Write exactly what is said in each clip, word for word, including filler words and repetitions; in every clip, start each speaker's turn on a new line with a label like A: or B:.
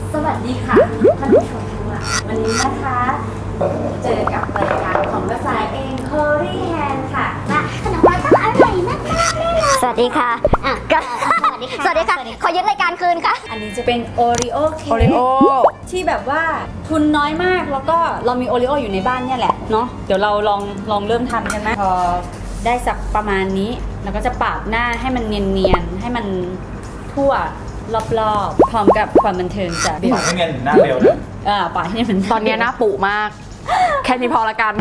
A: สวัสดีค่ะท่านผู้ชมทุกท่านวันนี้นะคะเจอกับรายการของภาษาเองโครีแฮนค่ะและขนมปังต้องอร่อยมากๆแน่นอนสวัสดีค่ะอ่ะสวัสดีค่ะสวัสดีค่ะขอยึดรายการคืนค่ะอันนี้จะเป็นโอริโอเค้กที่แบบว่าทุนน้อยมากแล้วก็เรามีโอริโออยู่ในบ้านเนี่ยแหละเนาะเดี๋ยวเราลองลองเริ่มทำกันนะพอได้สักประมาณนี้เราก็จะปาดหน้าให้มันเนียนๆให้มันทั่วรอบๆพร้อมกับความบันเทิงจากเบล
B: ปาดให้เงินหน้าเบลนะ
A: อ่าปาดให้มัน
C: ตอนนี้หน้าปุมาก แค่นี้พอละกัน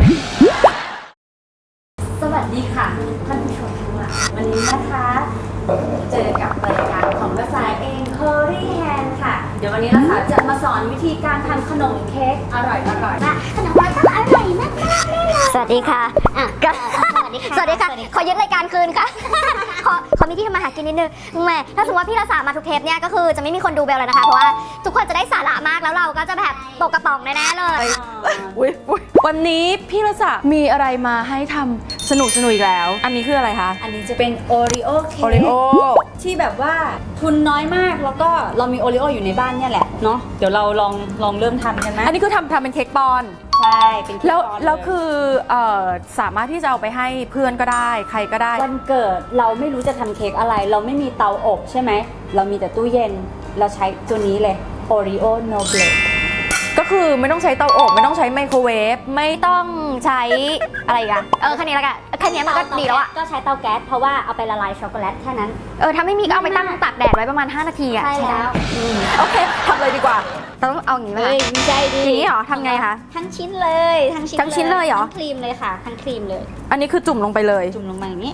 A: สวัสดีค่ะท่านผู้ชมทุกท่านวันนี้นะคะเจอกับรายการของภาษาเองโครีแฮนค่ะเดี๋ยววันนี้นะคะจะมาสอนวิธีการทำขนมเค้กอร่อยอร่อยและขนมปังต้องอร่อยมากๆแน่นอนสวัสดีค่ะอ่ะสวัสดีค่ะสวัสดีค่ะขอยึดรายการคืนค่ะ ขอขอมีที่ทำมาหากินนิดนึงแหมถ้าสมมติว่าพี่รัศมาทุกเทปเนี่ยก็คือจะไม่มีคนดูเบลเลยนะคะเพราะว่าทุกคนจะได้สาระมากแล้วเราก็จะแบบตกกระป๋องแน่ๆเลย
C: อุ๊ยอุ๊ยวันนี้พี่รัศมีอะไรมาให้ทำสนุกสนุกอีกแล้ว อันนี้คืออะไรคะ
A: อันนี้จะเป็นโอริโอเค้
C: โอริโอ
A: กที่แบบว่าทุนน้อยมากแล้วก็เรามีโอริโออยู่ในบ้านเนี่ยแหละเนาะเดี๋ยวเราลองลองเริ่มทำกันนะ
C: อันนี้คือทำทำเป็นเค้กปอนด์
A: ใช่เป็นเค้ก
C: แล้ว
A: ปอนด์
C: แล้ว
A: เย
C: คือเอ่อสามารถที่จะเอาไปให้เพื่อนก็ได้ ใครก็ได้
A: วันเกิดเราไม่รู้จะทำเค้กอะไร เราไม่มีเตาอบใช่ไหมเรามีแต่ตู้เย็นเราใช้ตัวนี้เลย Oreo No Blade
C: ก็คือไม่ต้องใช้เตาอบไม่ต้องใช้ไมโครเวฟ
D: ไม่ต้องใช้อะไรอีกันเออแค่นี้แล้วกันแค่นี้มันก็ดีแล้วอะ
A: ก็ใช้เตาแก๊สเพราะว่าเอาไปละลายช็อกโกแลตแค่นั้น
D: เออถ้าไม่มีก็เอาไปตั้งตากแดดไว้ประมาณห้านาทีอะ
A: ใช่แล้ว
D: อืม
C: โอเคทำเลยดีกว่า
D: เราต้องเอาอย่างนี้ไหม
A: เฮ้
D: คะ
A: ยไม่ใช่ดิ
D: อย่างนี้เหรอทำไงคะ
A: ทั้งชิ้นเลยทั้งชิ้น
D: ทั้งชิ้นเลยเหรอ
A: ทั้งครีมเลยค่ะทั้งครีมเลย
C: อันนี้คือจุ่มลงไปเลย
A: จุ่มลงมาอย่างนี้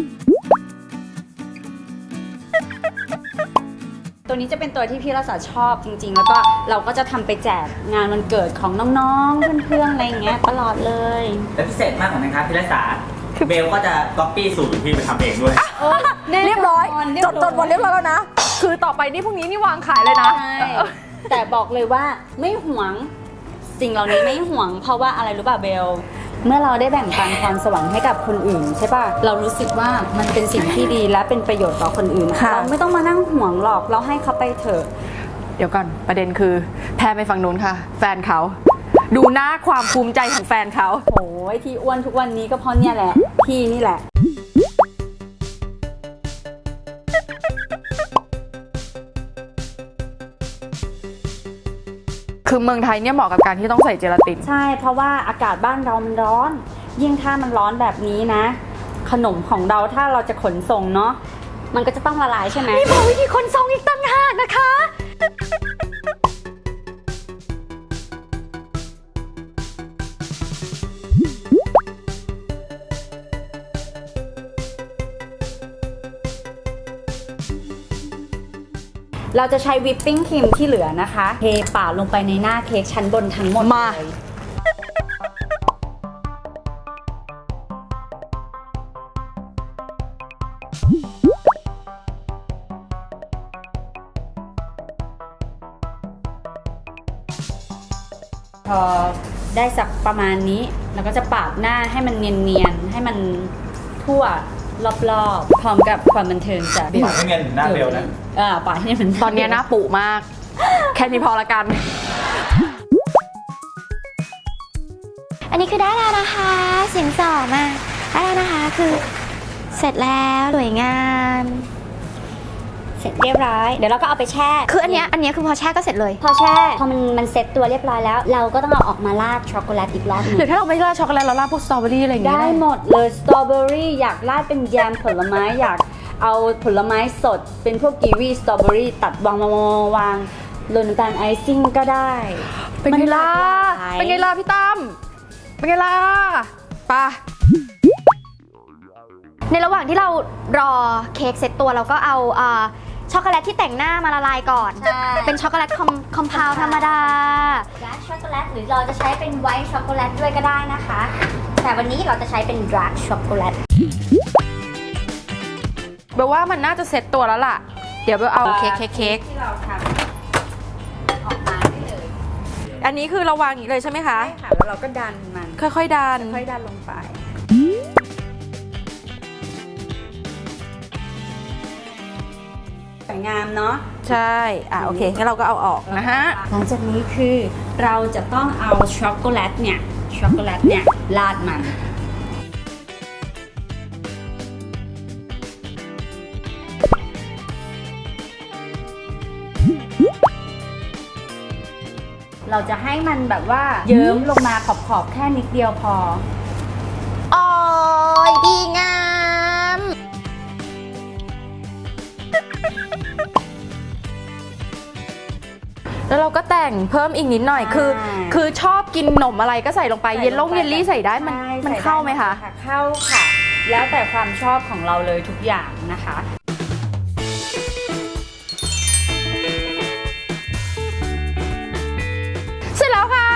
A: ตัวนี้จะเป็นตัวที่พี่รัศชอบจริงๆ แล้วก็เราก็จะทำไปแจกงานวันเกิดของน้องๆ เพื่อนๆ อะไรอย่างเงี้ยตลอดเลย
B: และพิเศษมากกว่านั้นครับพี่รัษาเบลก็จะก๊อปปี้สูตรพี่ไปทำเองด้วย
C: เรียบร้อยจดจดหมดเรียบร้อยแล้วนะ คือต่อไปนี่พรุ่งนี้นี่วางขายเลยนะ
A: ใช่แต่บอกเลยว่าไม่หวงสิ่งเหล่านี้ไม่หวง เพราะว่าอะไรรู้ป่ะเบล เมื่อเราได้แบ่งปันความสวรรค์ให้กับคนอื่นใช่ป่ะเรารู้สึกว่ามันเป็นสิ่งที่ดีและเป็นประโยชน์ต่อคนอื่น
C: ค่ะ
A: เราไม่ต้องมานั่งห่วงหรอกเราให้เขาไปเถอะ
C: เดี๋ยวก่อนประเด็นคือแพรไปฝั่งนู้นค่ะ แฟนเขา ดูหน้าความภูมิใจของแฟนเขา
A: โอ้ยที่อ้วนทุกวันนี้ก็เพราะเนี่ยแหละพี่นี่แหละ
C: คือเมืองไทยเนี่ยเหมาะกับการที่ต้องใส่เจลาติน
A: ใช่เพราะว่าอากาศบ้านเรามันร้อน ยิ่งถ้ามันร้อนแบบนี้นะ ขนมของเราถ้าเราจะขนส่งเนาะมันก็จะต้องละลายใช่ไหม
D: นี่บอกวิธีคนทรงอีกตั้งหากนะคะ
A: เราจะใช้วิปปิ้งครีมที่เหลือนะคะเทป่าลงไปในหน้าเค้กชั้นบนทั้งหมด
C: มา
A: เลยพอได้สักประมาณนี้เราก็จะปาดหน้าให้มันเนียนๆให้มันทั่วรอบๆพร้อมกับความบันเทิงจาก
B: ปาดให้เงินหน้าเบลนะ
A: อ่าปาดให้มัน
C: ตอนนี้หน้าปุมาก แค่นี้พอละกัน
D: อันนี้คือได้แล้วนะคะเสียงสองมาได้แล้วนะคะคือเสร็จแล้วสวยงาม
A: เสร็จเรียบร้อยเดี๋ยวเราก็เอาไปแช่
D: คืออันเนี้ยอันเนี้ยคือพอแช่ก็เสร็จเลย
A: พอแช่พอมันมันเซ็ตตัวเรียบร้อยแล้ว เราก็ต้องเอาออกมาราดช็อกโกแลตอีกรอบหนึง
C: หรือถ้าเราไม่ราดช็อกโกแลตเราราดพวกสตรอเบอรี่อะไรอย่างเงี้ย
A: ได้หมดเลยสตรอเบอรี่อยากราดเป็นแยมผลไม้อยากเอาผลไม้สดเป็นพวกกีวีสตรอเบอรี่ตัดวางวางวางวางโรยน้ำตาลไอซิ่งก็ได้
C: เป็นไงล่ะ
A: มันหลากหลาย
C: เป็นไงล่ะพี่ตั้มเป็นไงล่ะไปะ
D: ในระหว่างที่เรารอเค้กเสร็จตัวเราก็เอาเอ่อช็อกโกแลตที่แต่งหน้ามาละลายก่อน
A: ใช่
D: เป็นช็อกโกแลตคอมคอมเพลธรรมดา
A: ดาร์กช็อกโกแลตหรือเราจะใช้เป็นไวท์ช็อกโกแลตด้วยก็ได้นะคะ แต่วันนี้เราจะใช้เป็นดาร์กช็อกโกแลต
C: เบลว่ามันน่าจะเซ็ตตัวแล้วล่ะ เดี๋ยวเบลเอาเค้กเค้กเค้ก
A: ที่เราทำออกมาได้เลย
C: อันนี้คือเราวางอย่างนี้เลยใช่ไหมคะ
A: ใช่ค่ะแล้วเราก็ดันมัน
C: ค่อยๆดัน
A: ค่อยดันลงไปสวยงามเนาะ
C: ใใช่อ่ะโอเคงั้นเราก็เอาออกนะฮะ
A: หลังจากนี้คือเราจะต้องเอาช็อกโกแลตเนี่ยช็อกโกแลตเนี่ยราดมันเราจะให้มันแบบว่าเยิ้มลงมาขอบๆแค่นิดเดียวพอ
D: โอ้ยดีงาม
C: แล้วเราก็แต่งเพิ่มอีกนิดหน่อยคือ
A: อ่า
C: คือชอบกินขนมอะไรก็ใส่ลงไป
A: ใส่
C: เยลล่ง
A: งไป
C: เยลลี่ใส่ได้มัน
A: ใช่
C: มัน
A: ใส่
C: เข้าไหมคะ
A: ด้เข้าค่ะ แล้วแต่ความชอบของเราเลยทุกอย่างนะคะ
C: เสร็จแล้วค่ะ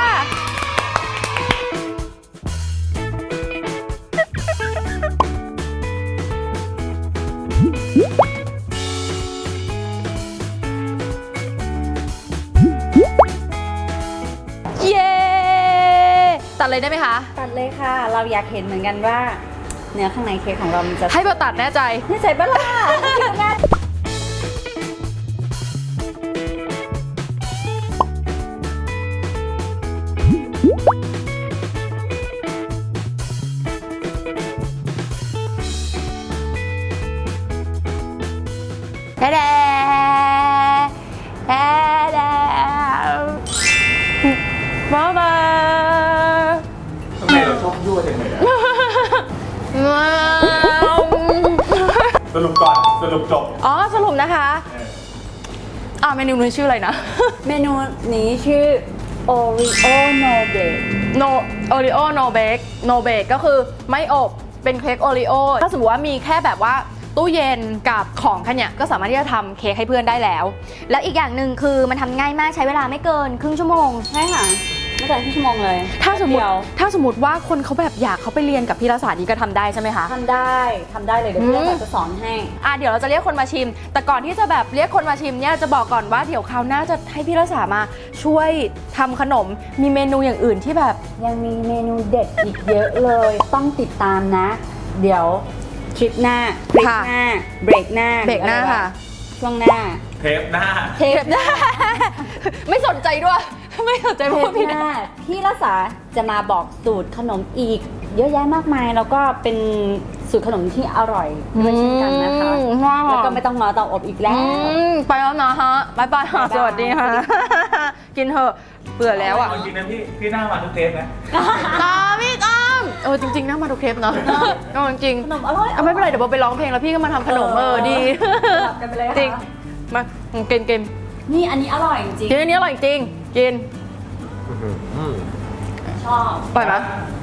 C: เย้ตัดเลยได้ไหมคะ
A: ตัดเลยค่ะ เราอยากเห็นเหมือนกันว่า เนื้อข้างในเค้กของเรามันจะ
C: ให้เบลตัดแน่ใจ
A: นี่ใส่บ้าล่ะแม่
C: แด่แด่แด่แด่บ๊ายบาย
B: ทำไมเราชอบยั่วจังเลยอะสรุปก่อนสรุปจบ
C: อ๋อสรุปนะคะอ่าเมนูนี้ชื่ออะไรนะ
A: เมนูนี้ชื่อ Oreo No Bake
C: no Oreo no bake no bake ก็คือไม่อบเป็นเค้กโอริโอถ้าสมมติว่ามีแค่แบบว่าตู้เย็นกับของแค่เนี้ยก็สามารถที่จะทำเค้กให้เพื่อนได้แล้ว
D: แล้วอีกอย่างหนึ่งคือมันทำง่ายมากใช้เวลาไม่เกินครึ่งชั่วโมง
A: ใช่ค่ะไม่เกินครึ่งชั่วโมงเลย
C: ถ้าสมมติ
A: เดียว
C: ถ้าสมมติว่าคนเขาแบบอยากเขาไปเรียนกับพี่รัศานี่ก็ทำได้ใช่ไหมคะ
A: ทำได้ทำได้เลยเดี๋ยว
C: อื
A: เพื่
C: ม
A: อนจะสอนให้
C: อ่ะเดี๋ยวเราจะเรียกคนมาชิม แต่ก่อนที่จะแบบเรียกคนมาชิมเนี่ยจะบอกก่อนว่าเดี๋ยวคราวหน้าจะให้พี่รัศามาช่วยทำขนมมีเมนูอย่างอื่นที่แบบ
A: ยังมีเมนูเด็ดอีกเยอะเลย ต้องติดตามนะ เดี๋ยวทริปหน้าคลิป
C: ค่ะ
A: หน้า เบรกหน้า
C: เบรกหน้า
A: รืออไว
C: ค่ะ
A: ช่วงหน้า
B: เทปหน้า
A: เทปหน้า
C: ไม่สนใจด้วย ไม่สนใจ
A: เท
C: พู
A: ป
C: ดผิด
A: หน้าพี่รัศาจะมาบอกสูตรขนมอีก เยอะแยะมากมาย แล้วก็เป็นสูตรขนมที่อร่อยด้วยเช่นกันนะคะ
C: อืมว้าว
A: แล้วก็ไม่ต้องรอเตาอบอีกแล้ว
C: อืมไปแล้วนะฮะบายบายค่ะ
A: บ๊ายบาย
C: สวัสดีค่ะ กินเถอะเบื่อแล้วอ่ะ
B: เอาจริงนะพี่พี่หน้ามาทุกเทปนะ
C: ตามพี่ตามเออจริงๆนะมาทุกเทปเนาะก็จริง
A: ขนมอร่อย
C: ๆเอาไม่เป็นไรเดี๋ยวโบไปร้องเพลงแล้วพี่ก็มาทำขนมเออดี
A: สลับกันไปเลย
C: จริง
A: ค่ะ
C: มาเกินเกม
A: นี่อันนี้อร่อยจริง
C: กินอันนี้อร่อยจริงกิน
A: ๆชอบ
C: ปล่อยไหม
B: พ